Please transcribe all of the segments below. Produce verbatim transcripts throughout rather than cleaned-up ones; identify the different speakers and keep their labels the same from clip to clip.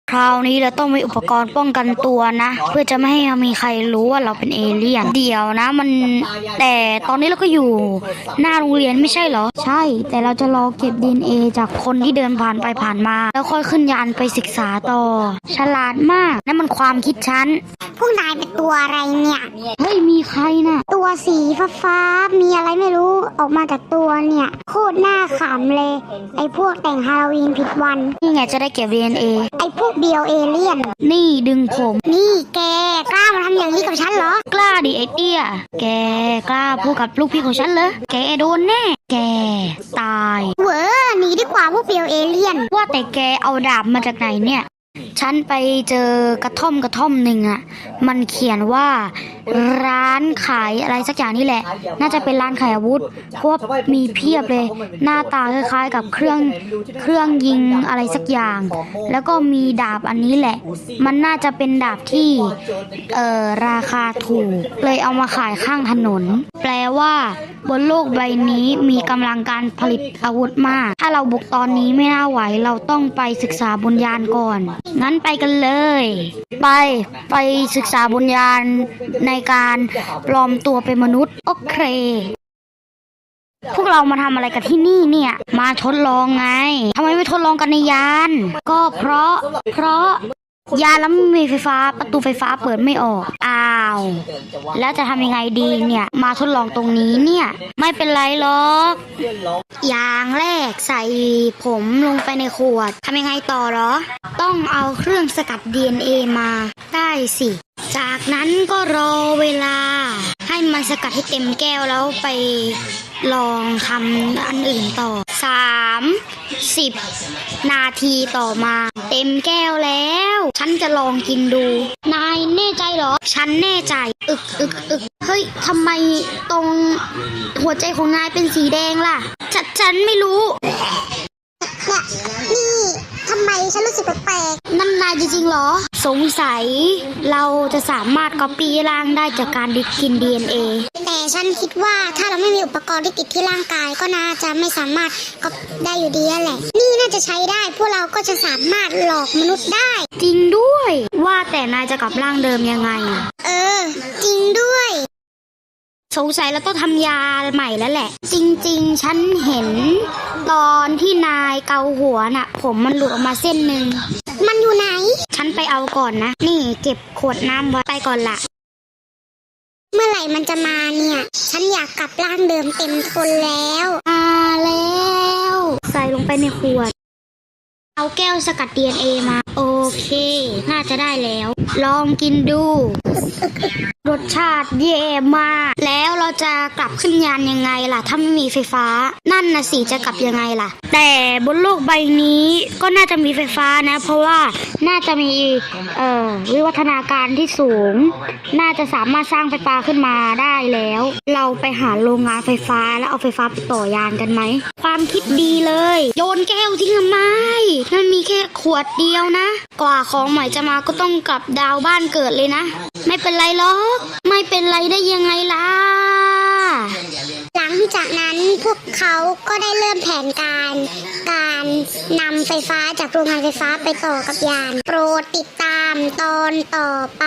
Speaker 1: คราวนี้เราต้องมีอุปกรณ์ป้องกันตัวนะเพื่อจะไม่ให้มีใครรู้ว่าเราเป็นเอเลี่ยนเดี๋ยวนะมันแต่ตอนนี้เราก็อยู่หน้าโรงเรียนไม่ใช่เหรอใช่แต่เราจะรอเก็บ ดี เอ็น เอ จากคนที่เดินผ่านไปผ่านมาแล้วค่อยขึ้นยานไปศึกษาต่อฉลาดมากนั่นมันความคิดฉัน
Speaker 2: พวกนายเป็นตัวอะไรเนี่ย
Speaker 1: เฮ้ยมีใครน่ะ
Speaker 2: ตัวสีฟ้าๆมีอะไรไม่รู้ออกมาจากตัวเนี่ยโคตรน่าขำเลยไอ้พวกแต่งฮาโลวีนผิดวัน
Speaker 1: นี่ไงจะได้เก็บ ดี เอ็น เอ
Speaker 2: ไอ้พวกเบียวเอเลี่ยน
Speaker 1: นี่ดึงผม
Speaker 2: นี่แกกล้ามาทำอย่างนี้กับฉันเหรอก
Speaker 1: ล้าดิไอเตี้ยแกกล้าพูดกับลูกพี่ของฉันเหรอแกโดนแน่แกตาย
Speaker 2: เว้อหนีดีกว่าพวกเบียวเอเลี่ยน
Speaker 1: ว่าแต่แกเอาดาบมาจากไหนเนี่ยฉันไปเจอกระท่อมกระท่อมหนึ่งอ่ะมันเขียนว่าร้านขายอะไรสักอย่างนี่แหละน่าจะเป็นร้านขายอาวุธเพราะมีเพียบเลยหน้าตาคล้ายๆกับเครื่องเครื่องยิงอะไรสักอย่างแล้วก็มีดาบอันนี้แหละมันน่าจะเป็นดาบที่เอ่อราคาถูกเลยเอามาขายข้างถนนแปลว่าบนโลกใบนี้มีกำลังการผลิตอาวุธมากถ้าเราบุกตอนนี้ไม่น่าไหวเราต้องไปศึกษาบนยานก่อนงั้นไปกันเลยไปไปศึกษาบนยานในการปลอมตัวเป็นมนุษย์โอเคพวกเรามาทำอะไรกันที่นี่เนี่ยมาทดลองไงทำไมไม่ทดลองกันในยานก็เพราะเพราะยานแล้วไม่มีไฟฟ้าประตูไฟฟ้าเปิดไม่ออกอ้าวแล้วจะทำยังไงดีเนี่ยมาทดลองตรงนี้เนี่ยไม่เป็นไรหรอกอย่างแรกใส่ผมลงไปในขวดทำยังไงต่อหรอต้องเอาเครื่องสกัด ดี เอ็น เอ มาได้สิจากนั้นก็รอเวลาให้มันสกัดให้เต็มแก้วแล้วไปลองทำอันอื่นต่อสามสิบนาทีต่อมาเต็มแก้วแล้วฉันจะลองกินดูนายแน่ใจเหรอฉันแน่ใจอึกอึกอึกเฮ้ยทำไมตรงหัวใจของนายเป็นสีแดงล่ะฉันฉันไม่รู้
Speaker 2: เนี่ยนี่ทำไมฉันรู้สึกแปลก
Speaker 1: ๆนั่นนายจริงๆเหรอสงสัยเราจะสามารถก๊อปปี้ร่างได้จากการดิกิน ดี เอ็น เอ
Speaker 2: แต่ฉันคิดว่าถ้าเราไม่มีอุปกรณ์ที่ติดที่ร่างกายก็น่าจะไม่สามารถก๊อปได้อยู่ดีแหละนี่น่าจะใช้ได้พวกเราก็จะสามารถหลอกมนุษย์ได้
Speaker 1: จริงด้วยว่าแต่นายจะกลับร่างเดิมยังไง
Speaker 2: เออจริงด้วย
Speaker 1: สงสัยเราต้องทำยาใหม่แล้วแหละจริงๆฉันเห็นตอนที่นายเกาหัวน่ะผมมันหลุดออกมาเส้นหนึ่ง
Speaker 2: มันอยู่ไหน
Speaker 1: ฉันไปเอาก่อนนะนี่เก็บขวดน้ำไว้ไปก่อนละ
Speaker 2: เมื่อไหร่มันจะมาเนี่ยฉันอยากกลับร่างเดิมเต็มทนแล้ว
Speaker 1: มาแล้วใส่ลงไปในขวดเอาแก้วสกัด ดี เอ็น เอ มาโอเคน่าจะได้แล้วลองกินดูรสชาติเย่มากแล้วเราจะกลับขึ้นยานยังไงล่ะถ้าไม่มีไฟฟ้านั่นน่ะสิจะกลับยังไงล่ะแต่บนโลกใบนี้ก็น่าจะมีไฟฟ้านะเพราะว่าน่าจะมีเอ่อวิวัฒนาการที่สูงน่าจะสามารถสร้างไฟฟ้าขึ้นมาได้แล้วเราไปหาโรงงานไฟฟ้าแล้วเอาไฟฟ้าไปต่อยานกันไหมความคิดดีเลยโยนแก้วทิ้งทำไมมันมีแค่ขวดเดียวนะกว่าของใหม่จะมาก็ต้องกลับดาวบ้านเกิดเลยนะไม่เป็นไรหรอกไม่เป็นไรได้ยังไงล่ะ
Speaker 2: หลังจากนั้นพวกเขาก็ได้เริ่มแผนการการนำไฟฟ้าจากโรงงานไฟฟ้าไปต่อกับยานโปรดติดตามตอนต่อไป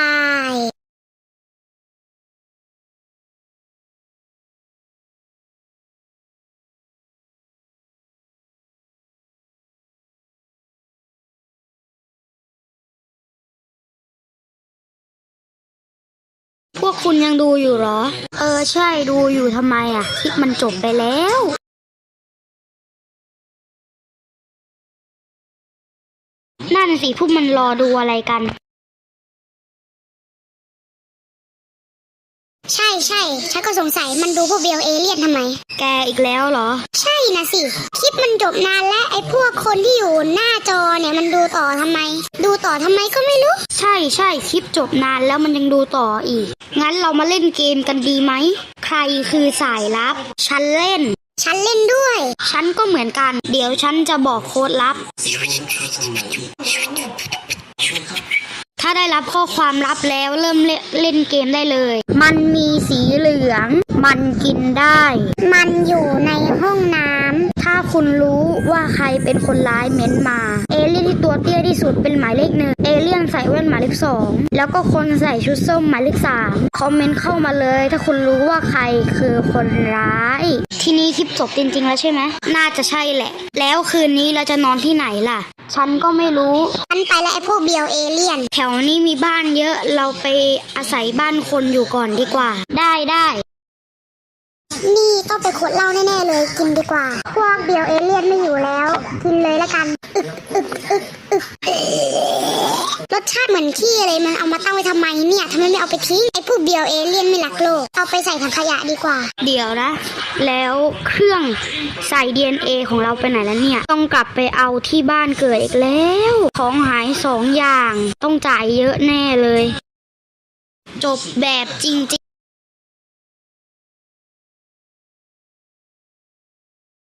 Speaker 1: พวกคุณยังดูอยู่หรอเออใช่ดูอยู่ทำไมอ่ะคลิปมันจบไปแล้วนั่นสิพวกมันรอดูอะไรกัน
Speaker 2: ใช่ใช่ฉันก็สงสัยมันดูพวกเบลเอเลี่ยนทำไม
Speaker 1: แกอีกแล้วเหรอ
Speaker 2: ใช่นะสิคลิปมันจบนานแล้วไอ้พวกคนที่อยู่หน้าจอเนี่ยมันดูต่อทำไมดูต่อทำไมก็ไม่รู้
Speaker 1: ใช่ใช่คลิปจบนานแล้วมันยังดูต่ออีกงั้นเรามาเล่นเกมกันดีไหมใครคือสายลับฉันเล่น
Speaker 2: ฉันเล่นด้วย
Speaker 1: ฉันก็เหมือนกันเดี๋ยวฉันจะบอกโค้ดลับถ้าได้รับข้อความลับแล้วเริ่มเล่นเกมได้เลยมันมีสีเหลืองมันกินได้
Speaker 2: มันอยู่ในห้องน้ำ
Speaker 1: ถ้าคุณรู้ว่าใครเป็นคนร้ายเม้นมา เอเลี่ยนที่ตัวเตี้ยที่สุดเป็นหมายเลขหนึ่ง เอเลี่ยนใส่แว่นหมายเลขสองแล้วก็คนใส่ชุดส้มหมายเลขสามคอมเมนต์เข้ามาเลย ถ้าคุณรู้ว่าใครคือคนร้าย ทีนี้คลิปจบจริงๆแล้วใช่ไหมน่าจะใช่แหละ แล้วคืนนี้เราจะนอนที่ไหนล่ะ ฉันก็ไม่รู้
Speaker 2: ฉันไปแล้วไอ้พวกเบียวเอเลี่ยน
Speaker 1: แถวนี้มีบ้านเยอะเราไปอาศัยบ้านคนอยู่ก่อนดีกว่า ได้ได้
Speaker 2: นี่ต้องเป็นคนเล่าแน่ๆเลยกินดีกว่า พวกเบียวเอเลี่ยนไม่อยู่แล้ว กินเลยละกันอึกอึกอึกอึกรสชาติเหมือนขี้เลยมันเอามาตั้งไว้ทำไมเนี่ยทำไมไม่เอาไปทิ้งไอ้พวกเบียวเอเลี่ยนไม่รักโลกเอาไปใส่ถังขยะดีกว่า
Speaker 1: เดี๋ยวนะ แล้วเครื่องใส่ ดี เอ็น เอ ของเราไปไหนแล้วเนี่ย ต้องกลับไปเอาที่บ้านเกิดอีกแล้ว ของหายสองอย่าง ต้องจ่ายเยอะแน่เลย จบแบบจริงๆ